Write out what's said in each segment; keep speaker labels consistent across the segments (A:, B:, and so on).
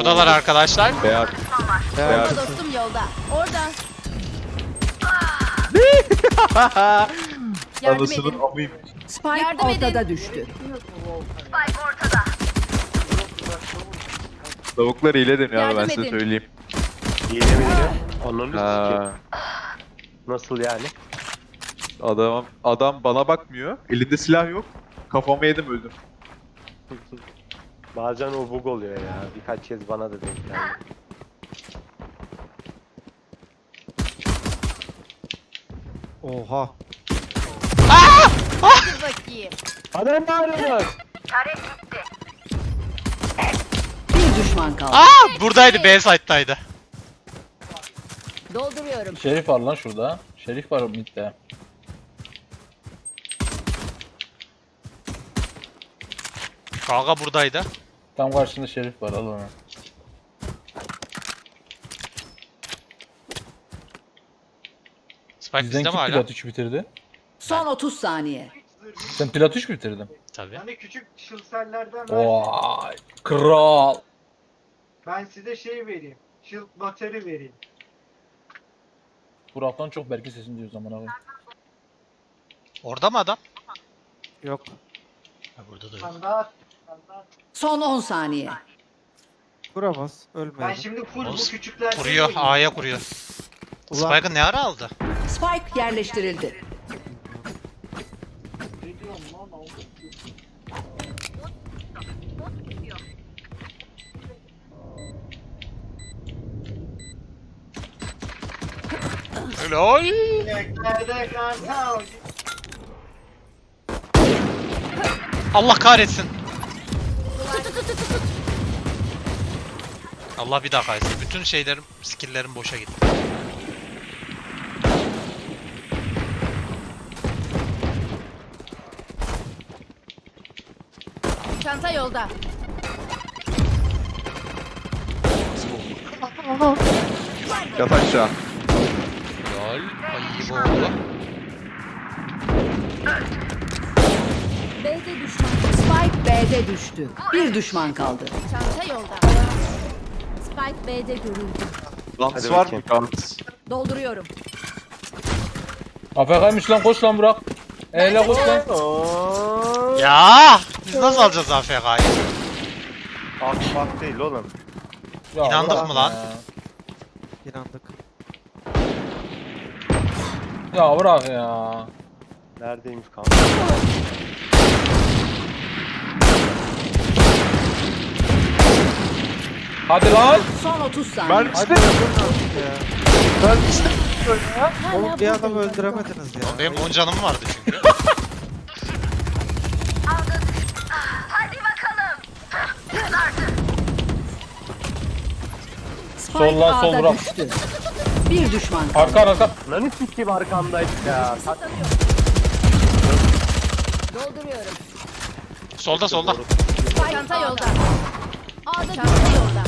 A: Buradalar arkadaşlar.
B: Beyaz.
C: Bomba dostum yolda. Orada. Yardım
B: Anasının
C: edin.
B: amıyım.
D: Spike
C: Yardım edin.
D: ortada düştü.
B: Tavuklar hile deniyor abi, ben
C: Yardım
B: size
C: edin.
B: söyleyeyim.
E: Yine mi yine? Ananı sikeyim.
B: Ha,
E: Nasıl yani?
B: adam bana bakmıyor. Elinde silah yok. Kafama yedim, öldüm.
E: Bazen o bug oluyor ya. Birkaç kez bana da denk geldi.
F: Oha.
C: Dur bakayım.
E: Adam bağırıyor.
D: Bir düşman kaldı.
A: Aa, buradaydı, B site'daydı.
C: Dolduruyorum.
G: Şerif var lan şurada. Şerif var midde.
A: Kanka buradaydı.
G: Tam karşında şerif var, al onu.
A: Spike
G: Bizden
A: bizde
G: kim
A: mi hala?
G: Plat 3 bitirdi?
D: Son 30 saniye.
G: Sen Plat 3 bitirdin.
A: Tabii.
H: Hani küçük şılsellerden
G: Vay kral.
H: ben size şey vereyim. Şıl bateri vereyim.
G: Burak'tan çok Berke sesini duyuyor zaman abi.
A: Orada mı adam?
F: Yok.
A: Ha, burada da yok.
H: Standart.
D: Son 10 saniye.
F: Vuramaz.
H: Ben
F: Ölmeyelim.
H: şimdi full bu
A: Olsun.
H: küçüklerden
A: Kuruyor,
H: vereyim.
A: A'ya kuruyor.
F: Ulan.
A: Spike'ı ne ara aldı?
D: Spike yerleştirildi.
H: Ne diyorum lan oğlum?
A: Helal.
H: Nerede kanka?
A: Allah kahretsin. Allah bir daha kahretsin. Bütün şeylerim, skill'lerim boşa gitti.
C: Çanta yolda.
B: Yat aşağı.
A: Helal. Ayı oldu.
C: B'de düşman.
D: Spike B'de düştü. Bir düşman kaldı.
C: Çanta yolda. Spike B'de görüldü.
B: Gans
E: Hadi
B: var mı?
E: bakayım.
B: Gans.
D: Dolduruyorum.
G: AFK'ymış lan, koş lan Burak. Eyle koş lan.
A: Ya biz nasıl alacağız AFK'yı?
E: Akmak değil oğlum.
G: Ya
A: İnandık
G: Burak
A: mı lan?
G: Ya,
F: İnandık.
G: ya Burak ya.
E: Neredeymiş kanka?
G: Hadi lan.
D: Son 30 saniye.
B: Ben işte.
F: Ben işte.
C: Hala
F: Oğlum bir adam öldüremediniz ya.
A: Benim 10 canım vardı çünkü.
D: Spike
G: Sol lan, sol
D: A'da
G: Burak.
D: düştü. Bir düşman kaldı.
G: Arka arka.
E: Lan sikeyim arkamdaydı ya.
C: Dolduruyorum.
A: Solda solda.
C: Çanta yolda. A'da çanta yolda.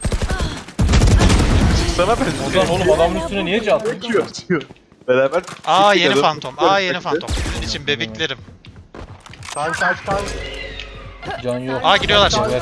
B: Sana ben.
G: Ozan oğlum adamın üstüne niye çaldın?
B: Atıyor. Beraber.
A: Aa
B: Gittik
A: yeni
B: adam.
A: fantom. Aa yeni fantom. Sizin için bebeklerim.
E: Kaç kaç kaç.
G: Can yok.
A: Aa giriyorlar.
G: Evet.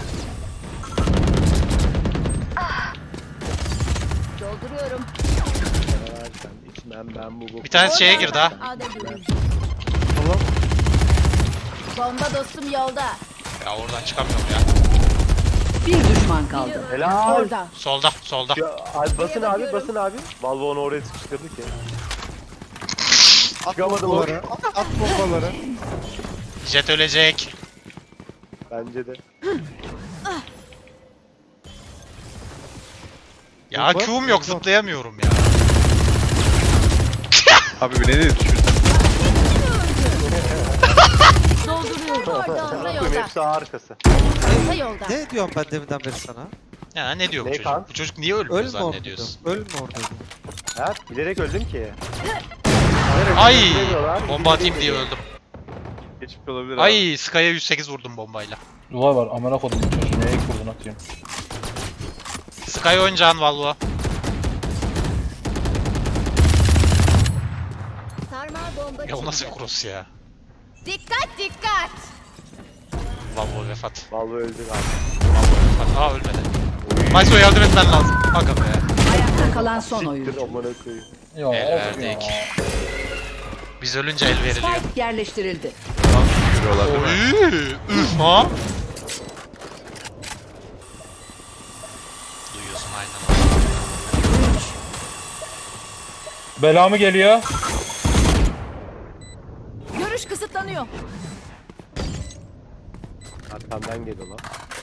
C: Dolduruyorum.
E: Versen içmem ben bu.
A: Bir tanesi şeye girdi ha.
C: A'da görüldü.
F: Oğlum.
C: Bomba dostum yolda.
A: Ya oradan çıkamıyorum ya.
D: Bir düşman kaldı.
E: Helal.
C: Orada.
A: Solda solda.
E: Ya, abi basın abi basın abi. Valve onu oraya sıkıştırdı ki.
F: At
E: Çıkamadım
F: bombaları. At bombaları.
A: Jet ölecek.
E: Bence de.
A: Ya
F: Bomba,
A: Q'um yok,
F: bomba.
A: zıplayamıyorum ya.
B: Abi bir ne dedi düşün.
C: Dolduruyorum. Orada çanta
E: Tüm
C: yolda.
E: hepsi ağ arkası.
C: Çanta yolda.
F: Ne diyorum ben deminden beri sana?
A: Ya ne diyor bu
E: Ne
A: çocuk?
E: kan?
A: Bu çocuk niye ölmüyor
F: Ölme orada.
A: zannediyorsun?
F: Ölme orada.
E: Ha bilerek öldüm ki.
A: Ay!
E: Bilmiyorlar.
A: Bomba atayım diye öldüm.
B: Geçmiş olabilir abi.
A: Ay Sky'a 108 vurdum bombayla.
G: Duvar var, amına kodum çocuğu, neye kurdun atıyorum.
A: Sky oyuncağın Valvo.
C: Sarmal bomba
A: Ya o nasıl bir
C: çıktı.
A: cross ya?
C: Dikkat dikkat.
A: Valvo vefat.
E: Valve öldü abi.
A: Valvo vefat. Aa ölmedi. Mayso yardım etmen lazım. Aga be.
D: Ayakta kalan son
E: Siktir
D: oyuncu.
E: amına koyayım.
G: Ya
A: El
G: of
A: verdik.
G: ya.
A: Biz ölünce el veriliyor.
D: Spike yerleştirildi.
B: Görüyorlar değil mi?
A: Oy, üf ha. Duyuyorsun aynen.
G: Bela mı geliyor?
C: Görüş kısıtlanıyor.
E: Arkamdan geliyor lan.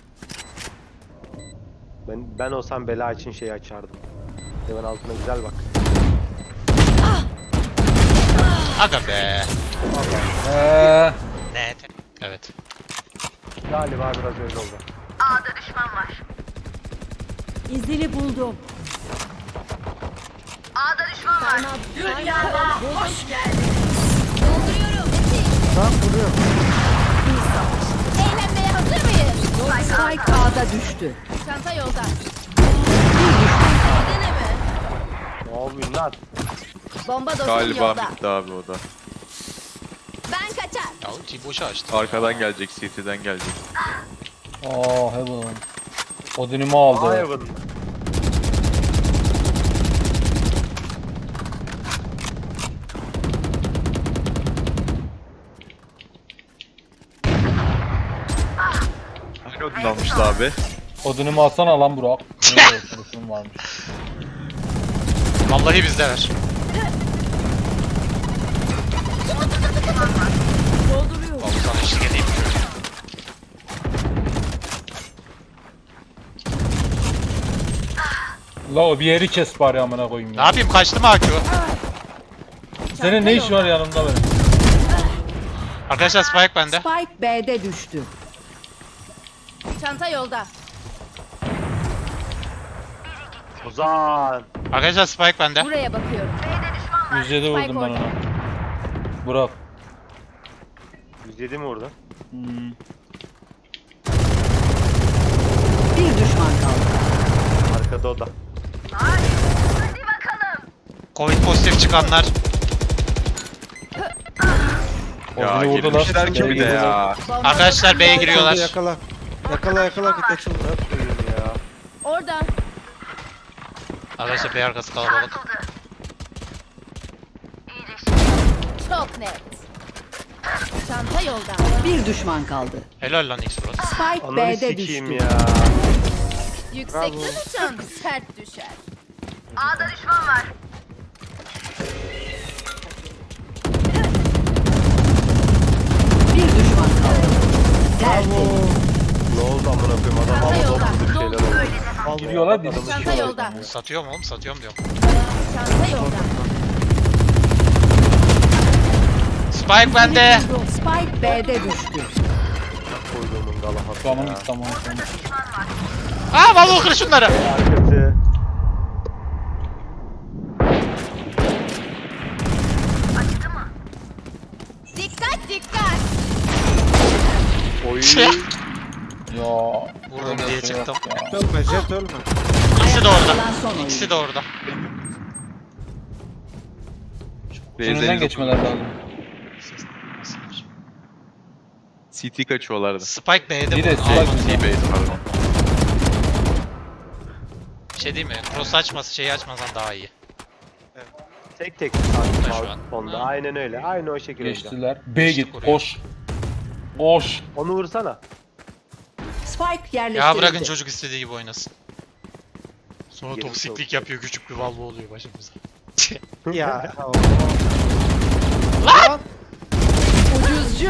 E: Ben olsam bela için şey açardım. Hemen altına güzel bak.
A: Aga be. Ne? Evet.
E: Galiba biraz öyle oldu.
C: İzini buldum. Dolduruyorum.
F: Tamam vuruyor.
C: Eğlenmeye hazır mıyız?
D: Spike A'da düştü.
C: Çanta yolda.
D: Bir düşman kaldı.
C: Deneme.
E: Ne yapıyorsun lan?
C: Bomba dostum
B: Galiba
C: yolda.
B: bitti abi o da.
C: Ben kaçar.
A: Ya ultiyi boşa açtı.
B: Arkadan gelecek, CT'den gelecek.
G: Aa Heaven. Odin'imi aldı.
E: Hayvan.
B: Hangi Odin almıştı abi?
G: Odin'imi alsana lan Burak. Ne olsun varmış.
A: Vallahi bizde ver.
C: Dolduruyorum.
A: Vallahi sana eşlik edeyim.
G: La o bir yeri kes bari amına koyayım
A: Ne
G: ya.
A: yapayım kaçtı mı AQ?
G: Senin ne işin var yanımda benim?
A: Arkadaşlar Spike bende.
D: Spike B'de düştü.
C: Çanta yolda.
E: Ozan.
A: Arkadaşlar Spike bende.
C: Buraya bakıyorum.
G: 107 vurdum ben ona. Burak.
E: 107 mi orada?
D: Bir düşman kaldı.
E: Arkada o da.
A: Covid pozitif çıkanlar.
B: Ya
G: Odin'i vurdular.
B: girmişler ki bir de ya.
C: Bomba
A: Arkadaşlar
C: dostum
A: B'ye
C: yolda.
A: giriyorlar.
F: Yakala. Yakala yakala bir açıldı.
E: Koyayım ya.
C: Orada.
A: Arkadaşlar B arkası kalabalık.
C: Çok net. Çanta yolda.
D: Bir düşman kaldı.
A: Helal lan X-Frost.
D: Spike
E: Ananı
D: B'de
E: sikeyim
D: düştü.
E: ya.
C: Yüksekten uçan sert düşer.
D: Bir düşman kaldı. Tertemiz.
E: Ne oldu amına koyayım adam
C: Çanta
E: havada
C: yolda.
E: okudu bir şeyler oldu.
G: Giriyorlar bir.
C: Çanta yolda.
A: Satıyorum oğlum satıyorum diyorum.
C: Çanta yolda.
A: Spike bende.
D: Spike B'de düştü.
E: Koyduğumun galahası
G: Tamam
E: ya.
G: tamam.
A: Aa vallahi kır şunları.
E: Arkası.
C: Dikkat dikkat.
E: Oy.
G: Ya.
A: Vurdum diye çıktım.
F: Ölme jet ölme.
A: İkisi de orada.
D: Kalan son oyuncu.
A: İkisi de orada.
G: Önünden geçmeler lazım.
B: CT kaçıyorlardı.
A: Spike B'de
G: Bir de
A: bu.
G: Spike-
B: T-base pardon.
A: Şey değil mi? Cross açması şeyi açmasan daha iyi.
E: Tek tek.
A: Burada şu an.
E: Onda.
A: Ha.
E: Aynen öyle. Aynı o şekilde.
G: Geçtiler. B git.
A: oraya.
G: Koş. Koş.
E: Onu vursana.
D: Spike yerleştirildi.
A: Ya bırakın çocuk istediği gibi oynasın. Sonra
E: Geri
A: toksiklik
E: çok-
A: yapıyor küçük bir valvo oluyor başımıza.
F: Ya.
D: Ucuzcu.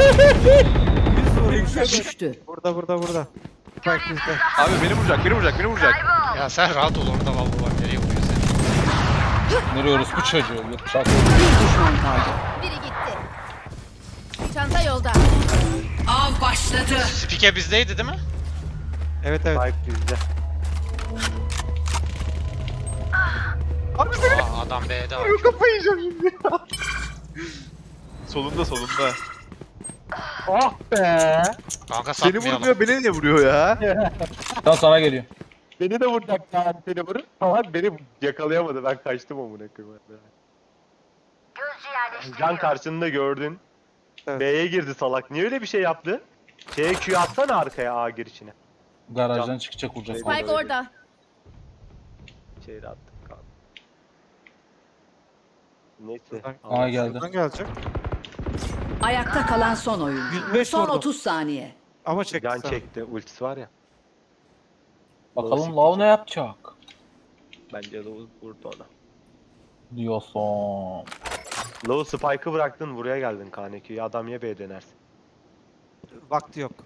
D: Düştü.
F: Burada. Spike bizde.
B: Abi beni vuracak, beni vuracak, beni vuracak.
A: Ya sen rahat ol orada valvo var nereye vuruyor seni?
G: Nereye orası bu çocuğu? Yok çak.
D: Bir düşman kaldı.
C: Biri gitti. Çanta yolda.
D: Av başladı.
A: Spike bizdeydi değil mi?
F: Evet.
E: Spike bizde.
A: Aa, adam B'de var.
B: Kafayı yiyeceğim şimdi. Solunda.
E: Ah be.
A: Kanka
B: Seni
A: satmayalım.
B: vurmuyor, beni niye vuruyor ya?
G: Tam sana geliyor.
E: Beni de vuracak yani seni vurup. Ama beni yakalayamadı. Ben kaçtım amına koyayım. Can karşında gördün.
F: Evet.
E: B'ye girdi salak. Niye öyle bir şey yaptı? Şeye Q atsana arkaya A girişine.
G: Garajdan çıkacak vuracak.
C: Spike orada.
E: Şeyde attık kaldı. Neyse.
G: Aa geldi.
F: Buradan gelecek.
D: Ayakta kalan son oyuncu.
F: 105
D: Son
F: vurdum.
D: 30 saniye.
F: Ama çekti
E: Can
F: sana.
E: çekti. Ultisi var ya.
G: Bakalım Lav ne yapacak?
E: Bence Low vurdu ona.
G: Diyorsun.
E: Low Spike'ı bıraktın buraya geldin KNQ'ya. Adam ya B'ye dönersin.
F: Vakti yok.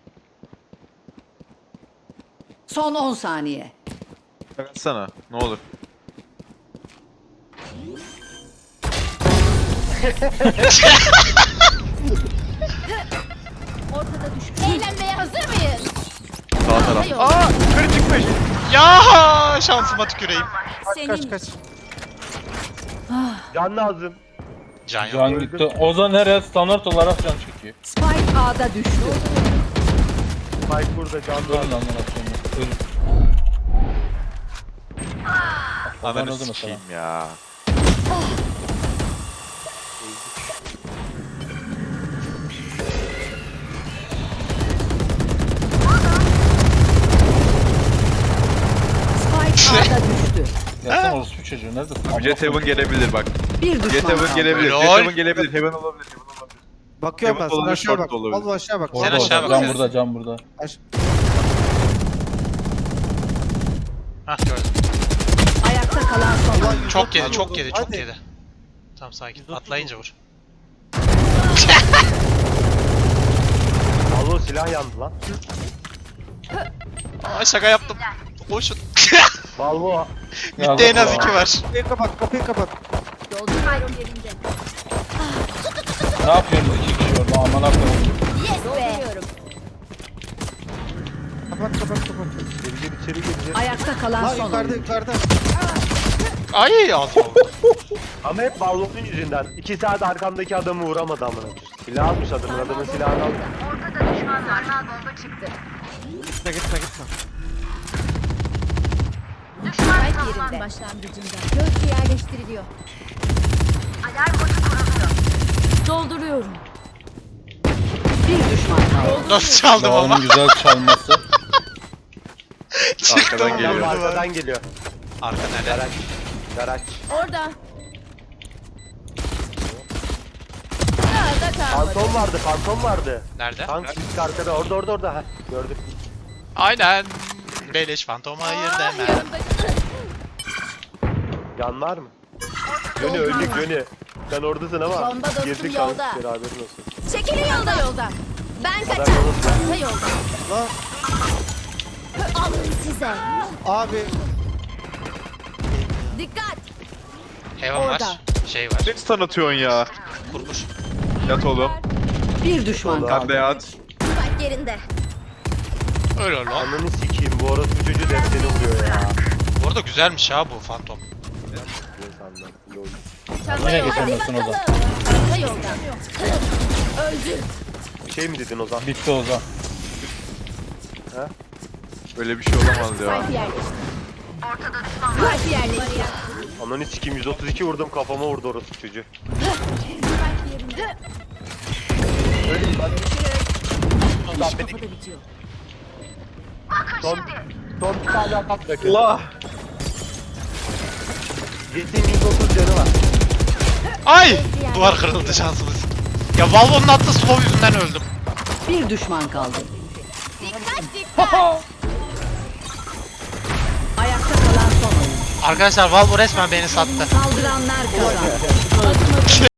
D: Son 10 saniye.
B: Sana ne olur.
C: Ortada düştü. Eğlenmeye hazır mıyız?
B: Sağ taraf.
C: Çanta yolda.
E: Aa! Kır çıkmış!
A: Ya şansıma tüküreyim.
F: Kaç kaç.
E: Can lazım.
A: Can yok.
G: Can gitti. Ozan her yer standart olarak can çekiyor.
D: Spike A'da düştü.
E: Spike burada can
G: Ölün
E: lazım.
G: lan lan. Ölün.
B: Ananı
G: öldü mesela.
B: sikeyim ya.
D: Spike A'da düştü.
G: Gelsene orospu çocuğu neredesin?
B: Abi Jet Heaven gelebilir bak.
D: Bir
B: Jet
D: düşman
B: Heaven
D: kaldı.
B: gelebilir.
A: Lol.
B: Jet Heaven gelebilir. Heaven olabilir. Heaven olabilir.
F: Bakıyorum ben
B: Heaven
F: sana
B: olabilir,
F: aşağı
B: short
F: bak.
B: da olabilir.
F: Vallahi aşağı bak.
A: Sen
F: Orada.
A: aşağı bak.
G: Can burada, can burada.
A: Hah gördüm.
D: Ayakta kalan son oyuncu.
A: Çok yedi, çok
F: Hadi.
A: yedi, çok yedi. Tamam sakin. Atlayınca vur.
E: Alo silah yandı lan.
A: Aa şaka yaptım. Koşun.
E: Valvo.
A: Midde en az 2 var.
F: Kapıyı kapat, kapıyı kapat.
C: Dolduruyorum yerinde.
G: Ne yapıyorsunuz iki kişi orada aman koyayım.
C: Yes be.
F: Kapat, kapat, kapat.
E: Geri içeri girecek.
D: Ayakta kalan
F: Lan
D: son
F: yukarıda,
D: oyuncu.
F: yukarıda.
A: Ay ağzıma vurdu.
E: Ama hep Valvo'nun yüzünden. 2 saat arkamdaki adamı vuramadı amına. Silah almış adamın silahını aldı.
F: Gitme, gitme, gitme.
C: Spike yerinde. Başlangıcında. Göz yerleştiriliyor. Alarm botu kuruluyor. Dolduruyorum.
D: Bir düşman kaldı.
A: Nasıl çaldım ama?
G: Lav'ın güzel çalması.
A: Çıktım.
B: Arkadan geliyor.
E: Adam arkadan geliyor.
A: Arka nerede?
E: Garaj. Garaj.
C: Orada. Daha da kalmadı.
E: Fantom vardı, fantom vardı.
A: Nerede?
E: Tank ilk arkada, orada. Heh, gördük.
A: Aynen. Beleş fantoma hayır deme.
C: Yanımda.
E: Yan var mı? Yönü öldük yönü. Sen oradasın ama
C: Bomba dostum
E: girdik
C: yolda.
E: kanka beraberin olsun.
C: Çekilin yolda. Ben
E: Adam
C: kaçar.
E: yolda.
C: Çanta yolda.
F: Lan
C: Alın size.
F: abi.
C: Dikkat.
A: Heaven var.
C: Orada.
A: Şey var.
B: Ne stun atıyorsun ya?
A: Kurmuş.
B: Yat oğlum.
D: Bir düşman
E: Ulan.
B: Sen
D: kaldı.
B: de yat.
C: Spike yerinde.
A: Öyle lan.
E: Ananı sikeyim bu orası çocuğu defteri vuruyor ya.
A: Bu arada güzelmiş ha bu fantom.
E: Neyse anladım. Lol.
C: Çanta
G: Nereye
C: yolda.
G: geçemiyorsun o zaman?
C: Çanta yolda. Öldü.
E: Bir şey mi dedin Ozan?
G: Bitti Ozan.
B: Öyle bir şey olamaz ya.
C: Spike yerleşti. Ortada düşman var. Spike yerleşti.
E: Ananı sikeyim 132 vurdum kafama vurdu orası çocuğu.
C: Spike yerinde.
D: Kafada bitiyor.
E: Son bir tane atak bırakın.
B: Allah.
E: Jet'in 130 canı var.
A: Ay! Duvar kırıldı şansımız. Ya Valvo'nun attığı slow yüzünden öldüm.
D: Bir düşman kaldı.
C: Dikkat dikkat.
D: Ayakta kalan son oyuncu.
A: Arkadaşlar Valvo resmen beni sattı.
D: Saldıranlar kazandı.